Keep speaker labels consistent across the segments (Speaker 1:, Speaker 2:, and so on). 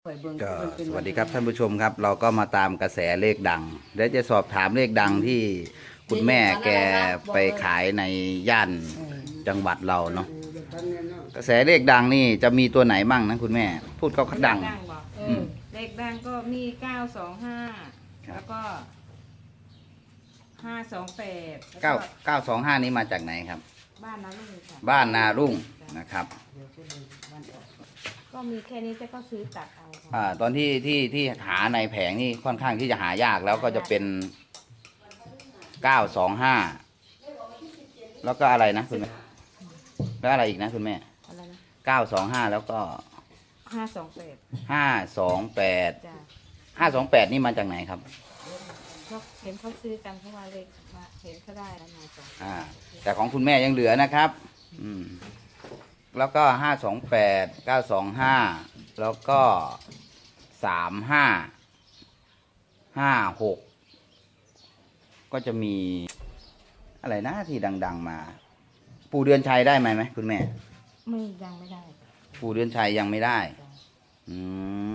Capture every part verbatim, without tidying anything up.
Speaker 1: ก็สวัสดีครับท่านผู้ชมครับเราก็มาตามกระแสเลขดังเดี๋ยวจะสอบถามเลขดังที่คุณแม่แกไปขายในย่านจังหวัดเราเนาะกระแสเลขดังนี่จะมีตัวไหนบ้างนะคุณแม่พูดเขาดัง
Speaker 2: เลขดังก็มีเก้าสองห้าแล้วก็ห้าสองแปด
Speaker 1: เก้าเก้าสองห้านี้มาจากไหนครับ
Speaker 2: บ้านนารุ่งค่ะ
Speaker 1: บ้านนารุ่งนะครับ
Speaker 2: ก็มีแค่นี้แต่ก็ซื้อตัดเอา
Speaker 1: อ่าตอนที่ที่ที่หาในแผงนี่ค่อนข้างที่จะหายากแล้วก็จะเป็นเก้าสองห้าแล้วก็อะไรนะคุณแม่แล้วอะไรอีกนะคุณแม่
Speaker 2: อะไรนะ
Speaker 1: เก้าสองห้าแล้วก็
Speaker 2: ห้าสองแปด
Speaker 1: ห้าสองแปดห้าสองแปดนี่มาจากไหนครับ
Speaker 2: ก็เห็นเขาซื้อกันเพราะว่าเลขมาเห็นเขาได้แล้วมาสอง
Speaker 1: อ่าแต่ของคุณแม่ยังเหลือนะครับอืมแล้วก็ห้าสองแปดเก้าสองห้าแล้วก็สามห้าห้าหกก็จะมีอะไรนะที่ดังๆมาปู่เดือนชัยได้ไหมไหมคุณแม่
Speaker 2: ไม่ยังไม่ได้
Speaker 1: ปู่เดือนชัยยังไม่ได้อืม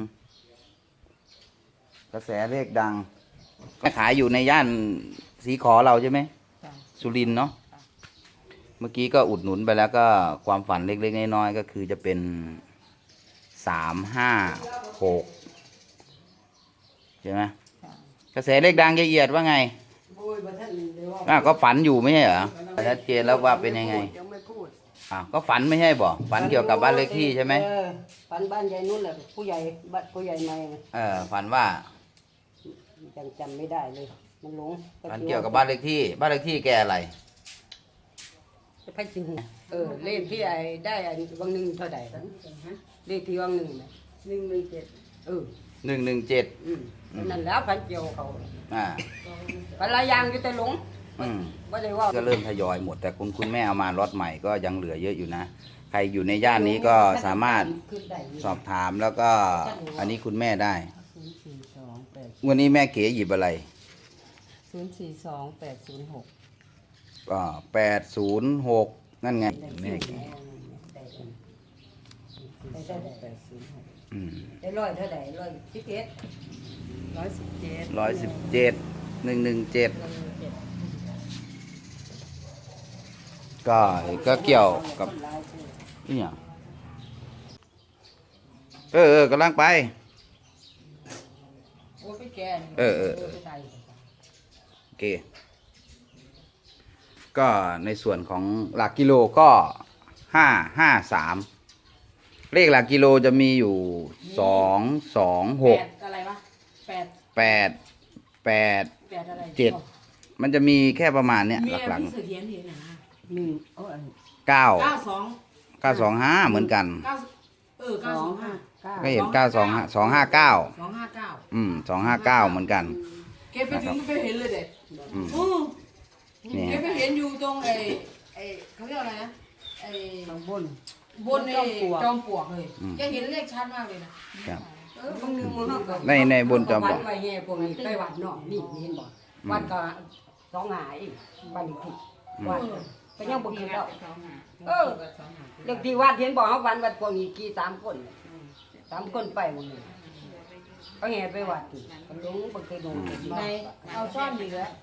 Speaker 1: กระแสเลขดังก็ขายอยู่ในย่านสีขอเราใช่ไหมสุรินทร์เนาะเมื่อกี้ก็อุดหนุนไปแล้วก็ความฝันเล็กๆน้อยๆก็คือจะเป็นสามห้าหกใช่ไหมกระแสเลขดังละเอียดว่าไงอ่ะก็ฝันอยู่ไม่ใช่เหรอชัดเจนแล้วว่าเป็นยังไงอ่ะก็ฝันไม่ใช่บ่ฝันเกี่ยวกับบ้านเลขที่ใช่ไหม
Speaker 3: ฝันบ้านยายนุ่นแหละผู้ใหญ่บ้านผู้ใหญ่ใหม่
Speaker 1: เออฝันว่า
Speaker 3: จำจำไม่ได้เลยมันหลง
Speaker 1: ฝันเกี่ยวกับบ้านเลขที่บ้านเลขที่แกอะไร
Speaker 3: พันสิงเออเลขที่ไอ้ได้ไอ้วังหนึ่งเท่าไหร่เลขที่วังหนึ่งนะหนึ่งหนึ่งเจ็ดเออ
Speaker 1: หนึ่งหนึ่งเจ็ด
Speaker 3: นั่นแล้วพันเกี่ยวเขา
Speaker 1: อ่า
Speaker 3: พันลายยางอยู่แต่หลง
Speaker 1: อืมก็เริ่มทยอยหมดแต่คุณคุณแม่เอามาล็อตใหม่ก็ยังเหลือเยอะอยู่นะใครอยู่ในย่านนี้ก็สามารถสอบถามแล้วก็อันนี้คุณแม่ได้วันนี้แม่เก๋หยิบอะไร
Speaker 3: ศูนย์สี่สองแปดศูนย์หก
Speaker 1: ก็แปดศูนย์หกนั่นไงแม่เก๋
Speaker 3: ได้ร้อยเท่าไหร่ร้อยสิบเอ็ดร้อยสิบเจ็ด
Speaker 1: ร้อยสิบเจ็ดหนึ่งหนึ่งเจ็ดก็ก็เกี่ยวกับนี่อ่ะเออเออกำลังไปเออเออโอเคก็ในส่วนของหลักกิโลก็ห้าห้าสามเลขหลักกิโลจะมีอยู่สองสองหก
Speaker 3: อะไรวะแปด
Speaker 1: แปดแปดเจ็ดมันจะมีแค่ประมาณเนี้ยหลักๆเก้าเก้าสองเก้าสองห้าเหมือนกัน
Speaker 3: เออเก้าสองห้า
Speaker 1: ก็เห็นเก้าสองห้าสองห้าเก้า
Speaker 3: สองห้าเก้า
Speaker 1: อืมสองห้าเก้าเหมือนกัน
Speaker 3: เก็บไปถึงไปเห็นเลยเด็กอืมเก็บไปเห็นอยู่ตรงไอ้ไอ้เขาเรียกอะไรนะไอ้บนบนในจอมปลวกเลยแกเห็นเลขชัดมากเลยนะครับเออบางนึงมัน
Speaker 1: ในในบนจอมปลวก
Speaker 3: ไปแง่พวกนี้ไปวัดเนาะนี่เห็นบ่วัดก็สองหายบ้านเลขที่วัดก็ยังบ่คือแล้วเออเลขที่วัดเห็นบ่เฮาวันวัดพวกนี้กี่สามคนสามคนไปหมดเลยก็แง่ไปวัดก็ลงบ่เคยลงในเอาซ่อนอยู่แล้ว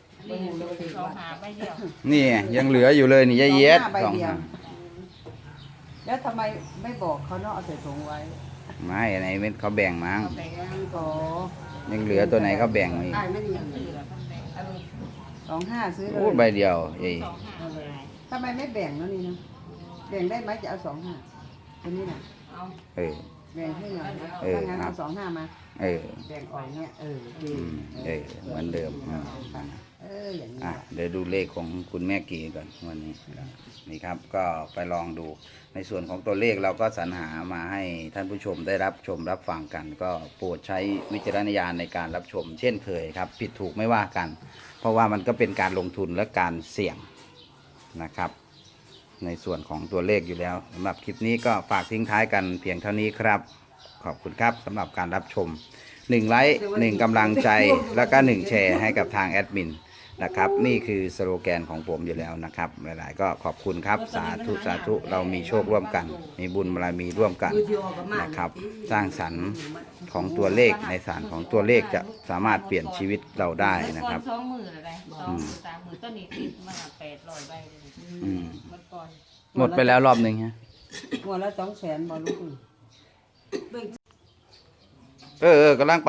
Speaker 1: นี่ยังเหลืออยู่เลยนี่ยายเย็ดสอง
Speaker 3: แล้วทำไมไม่บอกเขาเนาะเอาใส่ถุงไว้
Speaker 1: ไม่ไหนเม็ดเขาแบ่งมั้งยังเหลือตัวไหนเขาแบ่งอีก
Speaker 3: สองห้าซื้อเลย
Speaker 1: พูดใบเดียวเอ้ย
Speaker 3: ทำไมไม่แบ่งแล้วนี่นะแบ่งได้ไหมจะเอาสองห้าตัวนี้น่ะเอา
Speaker 1: เออ
Speaker 3: แบ่งให้หน่อยนะถ้างั้นเอาสองห้ามา
Speaker 1: เออ
Speaker 3: แบ่งออกเนี่ยเออ
Speaker 1: เออเหมือนเดิม
Speaker 3: เอออย่างนี้
Speaker 1: อ่ะเดี๋ยวดูเลขของคุณแม่กีก่อนวันนี้นี่ครับก็ไปลองดูในส่วนของตัวเลขเราก็สรรหามาให้ท่านผู้ชมได้รับชมรับฟังกัน ก็โปรดใช้วิจารณญาณในการรับชม เช่นเคยครับผิดถูกไม่ว่ากัน เพราะว่ามันก็เป็นการลงทุนและการเสี่ยงนะครับในส่วนของตัวเลขอยู่แล้วสำหรับคลิปนี้ก็ฝากทิ้งท้ายกันเพียงเท่านี้ครับขอบคุณครับสำหรับการรับชมหนึ่งไลค์หนึ่งกำลังใจแล้วก็หนึ่งแชร์ให้กับทางแอดมินนะครับ นี่คือสโลแกนของผมอยู่แล้วนะครับ หลายๆ ก็ขอบคุณครับสาธุสาธุเรามีโชคร่วมกัน มีบุญบารมีร่วมกันนะครับ สร้างสรรค์ของตัวเลขในสารของตัวเลขจะสามารถเปลี่ยนชีวิตเราได้นะครับ
Speaker 2: สองหมื่นอะไรสองหมื่นสามหมื่นต้นนี้ติดมาแปดร้อยใบเลย
Speaker 1: อืม
Speaker 2: เมื่อก่อน
Speaker 1: หมดไปแล้วรอบหนึ่งฮะ
Speaker 3: หัวละสองแสนบ่ลูก
Speaker 1: เออเออกำลังไป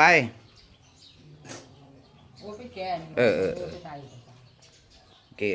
Speaker 3: โอ้ไปแกน
Speaker 1: เออเออเออ โอเค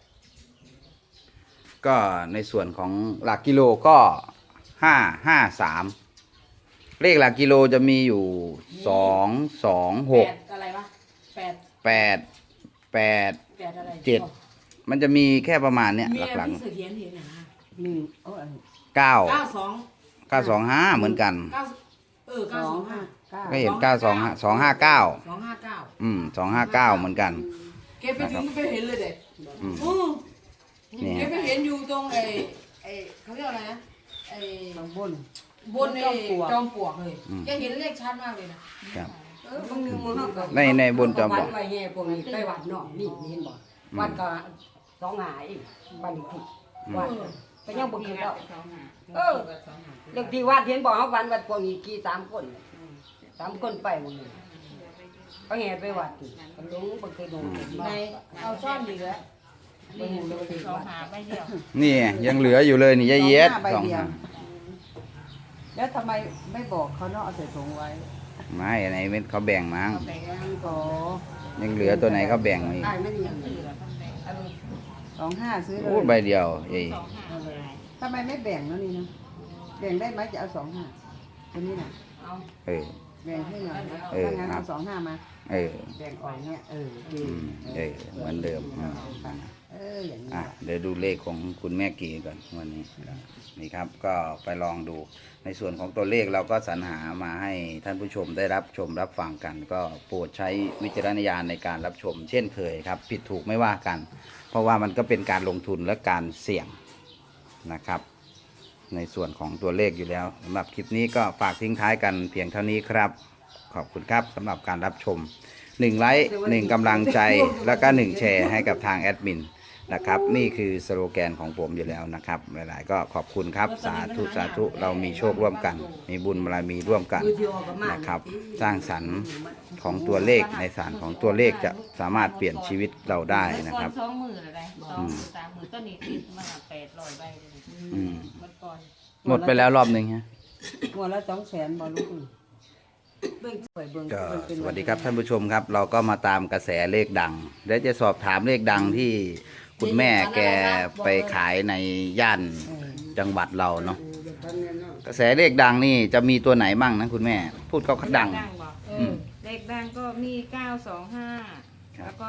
Speaker 1: ก็ในส่วนของหลักกิโลก็ห้าห้าสามเลขหลักกิโลจะมีอยู่สองสองหก
Speaker 3: แปดอะไรวะแปด
Speaker 1: แปดแปด
Speaker 3: แปดอะไร
Speaker 1: เจ็ดมันจะมีแค่ประมาณเนี้ย
Speaker 4: มี
Speaker 1: ห
Speaker 4: อะไร
Speaker 1: ลัก
Speaker 4: ที่เสถียรเห็นนะฮะ
Speaker 3: หนึ่งโอ้ย
Speaker 1: ๆเก้า
Speaker 4: เก้าสอง
Speaker 1: เก้าสองห้าเหมือนกัน
Speaker 4: เก้าเออ
Speaker 3: ส
Speaker 4: เก้า
Speaker 3: อ
Speaker 4: ส
Speaker 3: ง
Speaker 4: อง
Speaker 3: ห้า
Speaker 4: ห้า
Speaker 3: เก้า
Speaker 1: ก็เห็นเก้าสองห้าสองห้าเก้า
Speaker 4: สองห้าเก้า
Speaker 1: อืมสองห้าเก้าเหมือนกัน
Speaker 4: เก็บไปถึงไปเห็นเลยเด็ก
Speaker 1: อืม
Speaker 4: อือ
Speaker 1: นี่
Speaker 4: เก็บไปเห็นอยู่ตรงไอ้ไอ้เขาเรียกอะไรนะไอ้
Speaker 3: ข้างบน
Speaker 4: บนไอ้จอมปลวกเลยแกเห็นเลขชัดมากเลยนะครับ
Speaker 3: เออบางนึงมันก็
Speaker 1: ในในบนจอมปลวก
Speaker 3: วัดไว้แห่พวกนี้ไปวัดเนาะนี่เห็นบ่วัดก็สองหาอีกบ้านเลขที่วัดก็ยังบ่คือแล้ว
Speaker 2: สองหา
Speaker 3: เออเลขที่วัดเห็นบ่เฮาวันวัดพวกนี้กี่สามคนสามคนไปหมดเลยก็แห่ไปวัดนี่ก็ลงบ่เคยลง
Speaker 4: ในเอาซ่อนดีแล้ว
Speaker 3: บ่รู้เลยว่าที่
Speaker 2: สอง
Speaker 3: วัด
Speaker 2: หาใบเดียว
Speaker 1: นี่ยังเหลืออยู่เลยนี่ยายเย็ดสองห้า
Speaker 3: แล้วทำไมไม่บอกเขาเนาะเอาใส่ถุงไว้
Speaker 1: ไม่อันไหนเป็นเขาแบ่งมั้ง
Speaker 3: แบ่งก็
Speaker 1: ยังเหลือตัวไหนเขาแบ่งมาอีก
Speaker 3: ได้ไม่ดีอย่าง
Speaker 2: เห
Speaker 3: นี้
Speaker 2: ลือตั้งแต่
Speaker 3: อันนี้สองห้าซื้อเล
Speaker 1: พูดใบ
Speaker 3: ย
Speaker 1: เดียวยัย
Speaker 2: สองหาเลย
Speaker 3: ทำไมไม่แบ่งแล้วนี่นะแบ่งได้ไหมจะเอาสองห้าตัวนี้น่ะ
Speaker 2: เอา
Speaker 1: เออ
Speaker 3: แบ่งให้หน่อยนะ
Speaker 1: เออ
Speaker 3: ถ้างั้นเอาสองห้ามา
Speaker 1: เออ
Speaker 3: แบ่งออกเนี่ยเออดี
Speaker 1: อืมเออเหมือนเดิมอืม
Speaker 3: เอออย่างนี้
Speaker 1: อ่ะเดี๋ยวดูเลขของคุณแม่กีก่อนวันนี้นี่ครับ ก็ไปลองดูในส่วนของตัวเลขเราก็สรรหามาให้ท่านผู้ชมได้รับชมรับฟังกัน ก็โปรดใช้วิจารณญาณในการรับชม เช่นเคยครับ ผิดถูกไม่ว่ากัน เพราะว่ามันก็เป็นการลงทุนและการเสี่ยงนะครับ ในส่วนของตัวเลขอยู่แล้วสำหรับคลิปนี้ก็ฝากทิ้งท้ายกันเพียงเท่านี้ครับ ขอบคุณครับสำหรับการรับชมหนึ่งไลค์หนึ่งกำลังใจแล้วก็หนึ่งแชร์ให้กับทางแอดมินนะครับ นี่คือสโลแกนของผมอยู่แล้วนะครับ หลายๆ ก็ขอบคุณครับสาธุสาธุเรามีโชคร่วมกัน มีบุญบารมีร่วมกันนะครับ สร้างสรรค์ของตัวเลขในสารของตัวเลขจะสามารถเปลี่ยนชีวิตเราได้นะ
Speaker 2: เมื่อ
Speaker 1: ค
Speaker 2: ก่อ
Speaker 1: รั
Speaker 2: น
Speaker 1: บ
Speaker 2: สองหมื่นอะไรสองหมื่นสามหมื่นต้นนี้ติดมาแปดร้อยใบเลย
Speaker 1: อืม
Speaker 2: เมื่อก่อน
Speaker 1: หมดไปแล้วรอบหนึ่งฮะ
Speaker 3: หัวละสองแสนบ่ลูกเบิ่งสวยเบิ่ง
Speaker 1: ก็
Speaker 3: เบิ่งเป็น
Speaker 1: สวัสดีครับท่านผู้ชมครับ เราก็มาตามกระแสเลขดังเดี๋ยวจะสอบถามเลขดังที่คุณแม่แกไปขายในย่านจังหวัดเราเนาะกระแสเลขดังนี่จะมีตัวไหนบ้างนะคุณแม่ พูดเขาเขาดัง
Speaker 2: เลขดังบอกเอ
Speaker 1: อื
Speaker 2: อ
Speaker 1: ม
Speaker 2: เลขดังก็มีเก้าสองห้า
Speaker 1: ครับ
Speaker 2: แล้วก็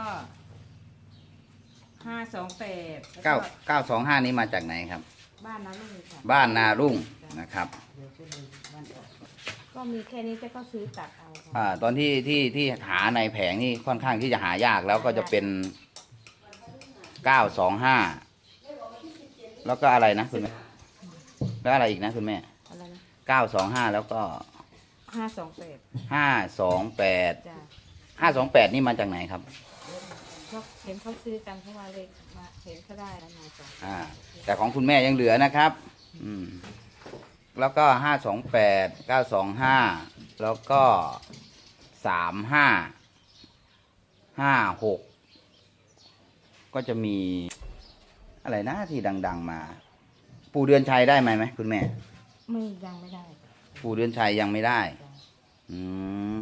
Speaker 2: ห้าสองแปด
Speaker 1: เก้าเก้าสองห้านี้มาจากไหนครับ
Speaker 2: บ้านนาลุงค่ะ
Speaker 1: บ้านนารุ่งนะครับ
Speaker 2: ก็มีแค่นี้แต่ก็ซื้อตัดเอาค่ะ
Speaker 1: อ่าตอนที่ที่ที่หาในแผงนี่ค่อนข้างที่จะหายากแล้วก็จะเป็นเก้าสองห้าแล้วก็อะไรนะคุณแม่แล้วอะไรอีกนะคุณแม่
Speaker 2: อะไรนะ
Speaker 1: เก้าสองห้าแล้วก็
Speaker 2: ห้าสองแปด
Speaker 1: ห้าสองแปด
Speaker 2: จ้ะ
Speaker 1: ห้าสองแปดนี่มาจากไหนครับ
Speaker 2: ก็เห็นเขาซื้อกันเพราะว่าเลขมาเห็นเขาได้แล้วมาจ้ะ
Speaker 1: อ่า แต่ของคุณแม่ยังเหลือนะครับ อืม แล้วก็ห้าสองแปดเก้าสองห้าแล้วก็สามห้าห้าหกก็จะมีอะไรนะที่ดัง ๆ มา ปู่เดือนชัยได้ไหมไหมคุณแม่
Speaker 2: ไม่ยังไม่ได้จ้ะ
Speaker 1: ปู่เดือนชัยยังไม่ได้ อืม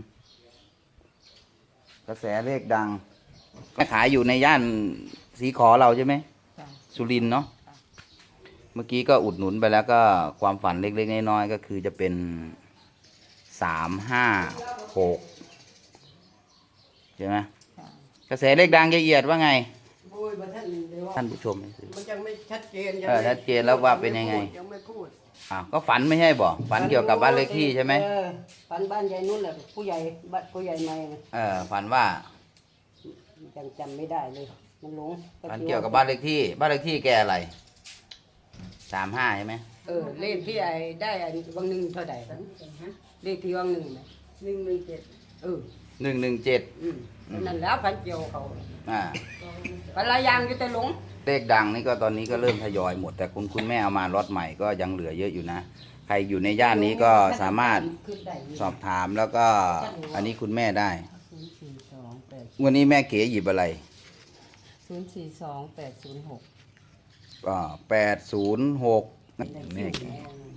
Speaker 1: กระแสเลขดังก็ขายอยู่ในย่านสีขอเราใช่ไหม
Speaker 2: จ้ะ
Speaker 1: สุรินทร์เนาะ เมื่อกี้ก็อุดหนุนไปแล้วก็ความฝันเล็กๆน้อยๆก็คือจะเป็นสามห้าหกใช่ไหม
Speaker 2: จ้ะ
Speaker 1: กระแสเลขดังละเอียดว่าไง
Speaker 3: โอ้ยบ่ทันเดี๋ยวว่า
Speaker 1: ท่านผู้ชม
Speaker 3: มันยังไม่ชัดเจน
Speaker 1: เออชัดเจนแล้วว่าเป็นยังไง
Speaker 3: ยังไม่พูด
Speaker 1: อ้าวก็ฝันไม่ใช่บ่ฝันเกี่ยวกับบ้านเลขที่ใช่ไหม
Speaker 3: เออฝันบ้านยายนุ่นแหละผู้ใหญ่บ้านผู้ใหญ่ใหม่น่ะ
Speaker 1: เออฝันว่า
Speaker 3: ยังจำไม่ได้เลย มันหลง
Speaker 1: ฝันเกี่ยวกับบ้านเลขที่ บ้านเลขที่แกอะไรสามห้าใช่ไหม
Speaker 3: เออเลขที่ไอ้ได้ไอ้วังหนึ่งเท่าไหร่เลขที่วังหนึ่งน่ะหนึ่งหนึ่งเจ็ดเออ
Speaker 1: หนึ่งหนึ่งเจ็ด
Speaker 3: อืมนั่นแล้วพันเจียวเขา
Speaker 1: อ่า
Speaker 3: ปลายางอยู่แต่หลง
Speaker 1: เลขดังนี่ก็ตอนนี้ก็เริ่มทยอยหมด แต่คุณคุณแม่เอามาล็อตใหม่ก็ยังเหลือเยอะอยู่นะ ใครอยู่ในย่านนี้ก็สามารถ
Speaker 3: ขึ้นได้อยู่
Speaker 1: สอบถามแล้วก็อันนี้คุณแม่ได้
Speaker 3: ศูนย์สี่สองแปด
Speaker 1: วันนี้แม่เก๋หยิบอะไร
Speaker 3: ศูนย์สี่สองแปดศูนย์หก
Speaker 1: ก็แปดศูนย์หกแม่เก๋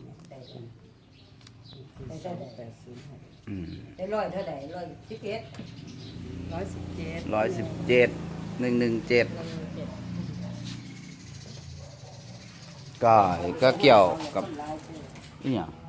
Speaker 3: ได้ได้ได้แปดศูนย์หก
Speaker 1: อืม
Speaker 3: ได้ร้อยเท่าไหร่ร้อยสิบเอ็ดร้อยสิบเจ็ด
Speaker 1: ร้อยสิบเจ็ดหนึ่งหนึ่งเจ็ดก็ก็เกี่ยวกับนี่อ่ะ